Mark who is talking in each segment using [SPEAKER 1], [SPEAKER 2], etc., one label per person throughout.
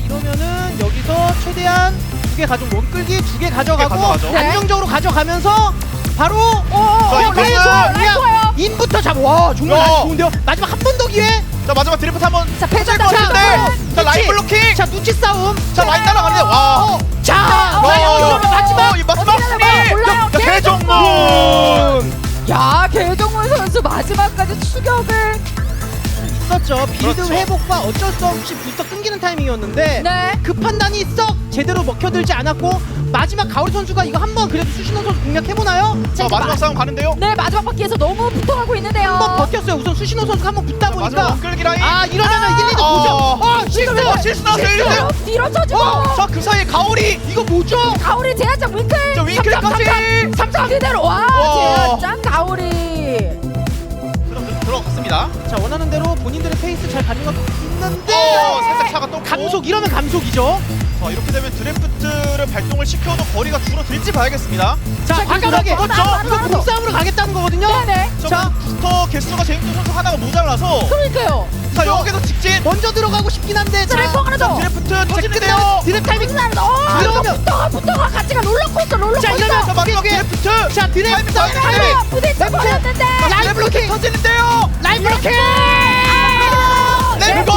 [SPEAKER 1] 이러면은 여기서 최대한 2개 가지고 원끌기 2개 가져가고
[SPEAKER 2] 가져가죠.
[SPEAKER 1] 안정적으로 가져가면서 바로
[SPEAKER 2] 라인
[SPEAKER 3] 좋아요.
[SPEAKER 1] 인부터 잡아. 와 정말
[SPEAKER 2] 야.
[SPEAKER 1] 라인 좋은데요. 마지막 한 번 더 기회.
[SPEAKER 2] 자 마지막 드리프트 한번
[SPEAKER 3] 자, 패전
[SPEAKER 2] 것 같은데.
[SPEAKER 1] 자,
[SPEAKER 2] 자 라인
[SPEAKER 1] 눈치.
[SPEAKER 2] 블로킹.
[SPEAKER 1] 자 눈치 싸움.
[SPEAKER 2] 자 라인 따라가는데 와.
[SPEAKER 1] 자 이러면 마지막
[SPEAKER 2] 이 마지막
[SPEAKER 3] 어디가
[SPEAKER 2] 승리.
[SPEAKER 3] 올라요?
[SPEAKER 2] 자 개정문.
[SPEAKER 3] 야, 개정문 선수 마지막까지 추격을.
[SPEAKER 1] 있었죠. 빌드
[SPEAKER 2] 그렇죠.
[SPEAKER 1] 회복과 어쩔 수 없이 부스터 끊기는 타이밍이었는데
[SPEAKER 3] 네.
[SPEAKER 1] 그 판단이 썩 제대로 먹혀들지 않았고 마지막 가오리 선수가 이거 한번 그래도 수신호 선수 공략해보나요?
[SPEAKER 2] 자 마지막 싸움 가는데요.
[SPEAKER 3] 네, 마지막 바퀴에서 너무 붙어가고 있는데요.
[SPEAKER 1] 한번 버텼어요. 우선 수신호 선수가 한번 붙다
[SPEAKER 2] 마지막
[SPEAKER 1] 보니까
[SPEAKER 2] 원끌기 라인.
[SPEAKER 1] 아 이러면은 1, 2도 보죠.
[SPEAKER 2] 실수 나왔어요.
[SPEAKER 3] 실수로 뒤로 쳐주고.
[SPEAKER 2] 자그 사이에 가오리.
[SPEAKER 1] 이거 뭐죠?
[SPEAKER 3] 가오리 제한장 윙클.
[SPEAKER 2] 자 윙클까지.
[SPEAKER 3] 삼삼 그대로. 와,
[SPEAKER 2] 와.
[SPEAKER 3] 제한장 가오리.
[SPEAKER 2] 들어갔습니다.
[SPEAKER 1] 자 원하는 대로 본인들의 페이스 잘 가는 것 있는데
[SPEAKER 2] 살짝 차가 또
[SPEAKER 1] 감속 이러면 감속이죠.
[SPEAKER 2] 자 이렇게 되면 드래프트를 발동을 시켜도 거리가 줄어들지 봐야겠습니다.
[SPEAKER 1] 자
[SPEAKER 3] 자,
[SPEAKER 1] 과감하게
[SPEAKER 3] 그렇죠.
[SPEAKER 1] 이거 몸싸움으로 가겠다는 거거든요.
[SPEAKER 3] 네네.
[SPEAKER 1] 자
[SPEAKER 2] 부스터 개수가 제임스 선수 하나가 모자라서
[SPEAKER 3] 그러니까요.
[SPEAKER 2] 자 여기서 직진.
[SPEAKER 1] 먼저 들어가고 싶긴 한데
[SPEAKER 3] 드래퍼 하나 더.
[SPEAKER 2] 드래프트
[SPEAKER 1] 자,
[SPEAKER 2] 터지는데요.
[SPEAKER 1] 드랩 타이밍
[SPEAKER 3] 이러면 붙어가 같이 가 롤러코스터.
[SPEAKER 1] 자 이러면
[SPEAKER 2] 자 마지막
[SPEAKER 1] 꽤-
[SPEAKER 2] 드래프트.
[SPEAKER 1] 자 드랩
[SPEAKER 2] 타이밍,
[SPEAKER 1] 싸움
[SPEAKER 2] 타이밍.
[SPEAKER 1] 타이밍
[SPEAKER 3] 부딪혀 버렸는데.
[SPEAKER 1] 라인 블로킹
[SPEAKER 2] 터지는데요.
[SPEAKER 1] 라인 블로킹
[SPEAKER 2] 렛츠고!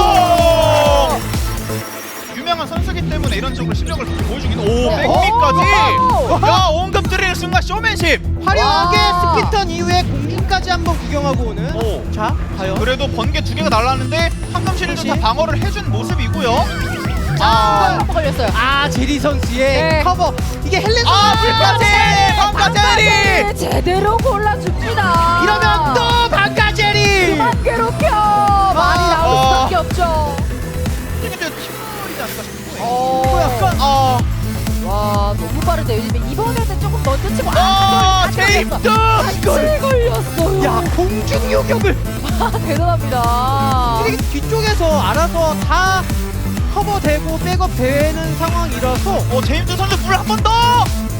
[SPEAKER 2] 유명한 선수기 때문에 이런 식으로 실력을 보여주긴. 오 백미까지. 야 온급 드릴 순간 쇼맨십.
[SPEAKER 1] 화려하게
[SPEAKER 3] 와.
[SPEAKER 1] 스피턴 이후에 공중까지 한번 구경하고 오는.
[SPEAKER 2] 오.
[SPEAKER 1] 자 과연
[SPEAKER 2] 그래도 번개 2개가 날랐는데 황금실도 다
[SPEAKER 1] 그렇지.
[SPEAKER 2] 방어를 해준 모습이고요.
[SPEAKER 3] 한번 걸렸어요.
[SPEAKER 1] 아 제리 선수의
[SPEAKER 3] 네.
[SPEAKER 1] 커버 이게 헬렌
[SPEAKER 2] 불까지 방가제리.
[SPEAKER 3] 제대로 골라줍니다.
[SPEAKER 1] 이러면 또 반가 제리
[SPEAKER 3] 그만 괴롭혀. 말이 나올 수밖에 없죠.
[SPEAKER 2] 근데 팀플이지 않을까 싶고.
[SPEAKER 1] 또 약간
[SPEAKER 3] 와, 너무 빠르대요. 이번에는 조금 먼저 치고
[SPEAKER 2] 제임스.
[SPEAKER 3] 같이 걸렸어요.
[SPEAKER 1] 야 공중 요격을
[SPEAKER 3] 대단합니다.
[SPEAKER 1] 이게 뒤쪽에서 알아서 다 커버되고 백업 되는 상황이라서
[SPEAKER 2] 제임스 선수 물 한 번 더.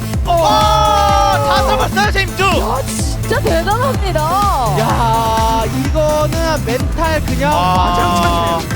[SPEAKER 2] 다 잡았어요 제임스.
[SPEAKER 3] 야, 진짜 대단합니다.
[SPEAKER 1] 야 이거는 멘탈 그냥 와장창이네요.